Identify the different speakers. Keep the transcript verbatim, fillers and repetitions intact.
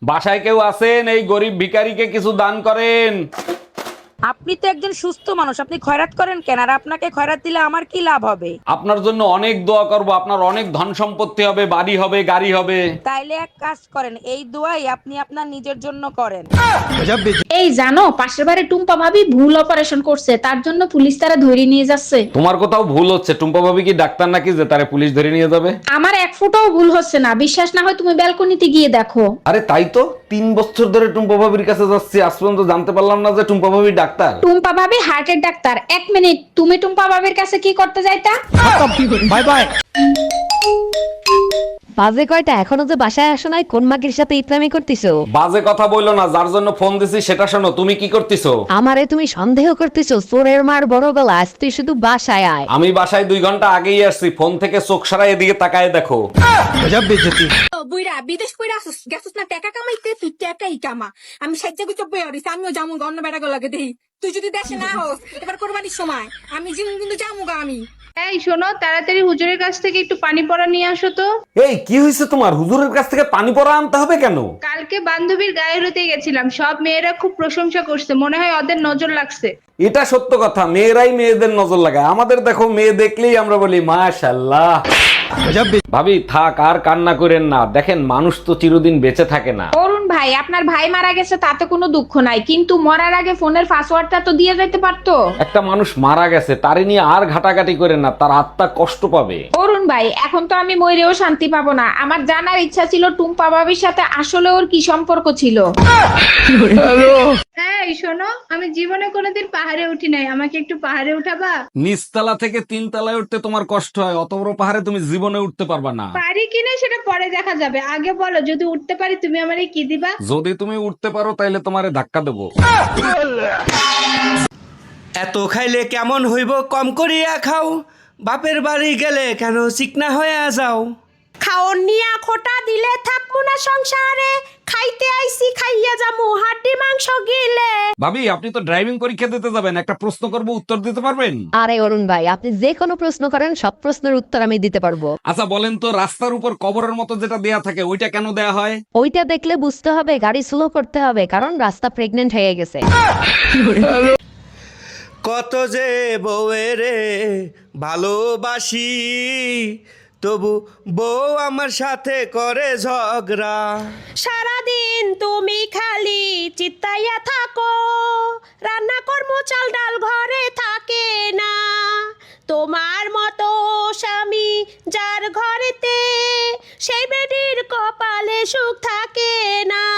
Speaker 1: বাসায় কেউ আছেন? এই গরিব ভিখারিকে কিছু দান করেন।
Speaker 2: আপনি তো একজন সুস্থ মানুষ, আপনি খয়রাত করেন কেন? আর আপনাকে খয়রাত দিলে আমার কি লাভ হবে?
Speaker 1: আপনার জন্য অনেক দোয়া করব, আপনার অনেক ধন সম্পত্তি হবে, বাড়ি হবে, গাড়ি হবে।
Speaker 2: তাইলে এক কাজ করেন, এই দোয়াই আপনি আপনার নিজের জন্য করেন।
Speaker 3: এই জানো, পাশের বাড়ি টুম্পা ভাবি ভুল অপারেশন করছে, তার জন্য পুলিশ তারা ধরে নিয়ে যাচ্ছে।
Speaker 1: তোমার কোথাও ভুল হচ্ছে। টুম্পা ভাবি কি ডাক্তার নাকি যে তারে পুলিশ ধরে নিয়ে যাবে?
Speaker 3: আমার এক ফুটাও ভুল হচ্ছে না, বিশ্বাস না হয় তুমি ব্যালকনিতে গিয়ে দেখো।
Speaker 1: আরে তাই তো, তিন বছর ধরে টুম্পা ভাবির কাছে যাচ্ছি, আজ পর্যন্ত জানতে পারলাম না যে টুম্পা ভাবি ডাক্তার।
Speaker 3: টুম্পা ভাবি হার্টের ডাক্তার। এক মিনিট, তুমি টুম্পা ভাবির কাছে কি করতে যাইতা?
Speaker 1: Bye bye.
Speaker 4: বাজে কয়টা এখনো যে বাসায় আসো নাই? কোন মাগির সাথে ইতরামি করতেছো?
Speaker 1: বাজে কথা বইলো না, যার জন্য ফোন দিছি সেটা শোনো। তুমি কি করতেছো?
Speaker 4: আমারে তুমি সন্দেহ করতেছো? চোরের মার বড় গলা, আজ তুই শুধু বাসায় আয়।
Speaker 1: আমি বাসায় দুই ঘন্টা আগেই আসছি, ফোন থেকে চোখ সরাই এদিকে তাকায় দেখো।
Speaker 5: বুইরা বিদেশ কইরা আসুস গেছুস না টাকা কামাইতে, তুই টাকাই কামা। আমি সাজ্জা গুচ্ছ বই আরিস, আমিও যামু অন্য বেড়া লাগে দেই। তুই যদি দেশে না হোস এবার কোরবানির সময় আমি জিম কিন্তু যামুগা আমি।
Speaker 6: এই শোনো, তাড়াতাড়ি হুজুরের কাছ থেকে একটু পানি পড়া নিয়ে আসো তো।
Speaker 1: এই কি হয়েছে তোমার? হুজুরের কাছ থেকে পানি পড়া আনতে হবে কেন?
Speaker 6: কালকে বান্ধবীর গায়ে হলুদে গেছিলাম, সব মেয়েরা খুব প্রশংসা করছে, মনে হয় ওদের নজর লাগছে।
Speaker 1: এটা সত্য কথা, মেয়েরাই মেয়েদের নজর লাগায়। আমাদের দেখো, মেয়ে দেখলেই আমরা বলি মাশাআল্লাহ। ভাবি থাক, আর কান্না করেন না। দেখেন, মানুষ তো চিরদিন বেঁচে থাকে না।
Speaker 3: অরুণ ভাই, আপনার ভাই মারা গেছে তাতে কোনো দুঃখ নাই, কিন্তু মরার আগে ফোনের পাসওয়ার্ডটা তো দিয়ে যেতে পারতো।
Speaker 1: একটা মানুষ মারা গেছে, তারে নিয়ে আর ঘাটাঘাটি করেন না, তার আত্মা কষ্ট পাবে।
Speaker 3: অরুণ ভাই, এখন তো আমি মরেও শান্তি পাবো না। আমার জানার ইচ্ছা ছিল টুম্পা ভাবির সাথে আসলে ওর কি সম্পর্ক ছিল।
Speaker 6: এই শোনো, আমি জীবনে কোনোদিন পাহাড়ে উঠি নাই, আমাকে একটু পাহাড়ে উঠাবা?
Speaker 1: নিচতলা থেকে তিন তলায় উঠতে তোমার কষ্ট হয়, অত বড় পাহাড়ে তুমি জীবনে উঠতে পারবা না।
Speaker 6: পারি কিনা সেটা পরে দেখা যাবে, আগে বলো যদি উঠতে পারি তুমি আমারে কি দিবা?
Speaker 1: যদি তুমি উঠতে পারো তাইলে তোমারে ধাক্কা দেবো।
Speaker 7: এত খাইলে কেমন হইব, কম করিয়া খাও। বাপের বাড়ি গেলে কেন চিকনা হইয়া যাও।
Speaker 5: খাওন নিয়া খোটা দিলে থাকবো না সংসারে, খাইতে আইছি খাইয়া যামু হাড্ডি মাংস গিলে।
Speaker 1: ভাবি, আপনি তো ড্রাইভিং পরীক্ষা দিতে যাবেন, একটা প্রশ্ন করব, উত্তর দিতে পারবেন?
Speaker 4: আরে অরুণ ভাই, আপনি যে কোনো প্রশ্ন করেন, সব প্রশ্নের উত্তর আমি দিতে পারবো।
Speaker 1: আচ্ছা বলেন তো, রাস্তার উপর কবরের মতো যেটা দেয়া থাকে ওইটা কেন দেয়া হয়?
Speaker 4: ওইটা দেখলে বুঝতে হবে গাড়ি স্লো করতে হবে, কারণ রাস্তা প্রেগনেন্ট হয়ে গেছে।
Speaker 7: কত যে বউয়েরে ভালোবাসি, তবু বউ আমার সাথে করে ঝগড়া।
Speaker 5: সারাদিন তুমি খালি চিত্তাইয়া থাকো, রান্না কর্ম চাল ডাল ঘরে থাকে না। তোমার মতো স্বামী যার ঘরেতে, সেই বেডির কপালে সুখ থাকে না।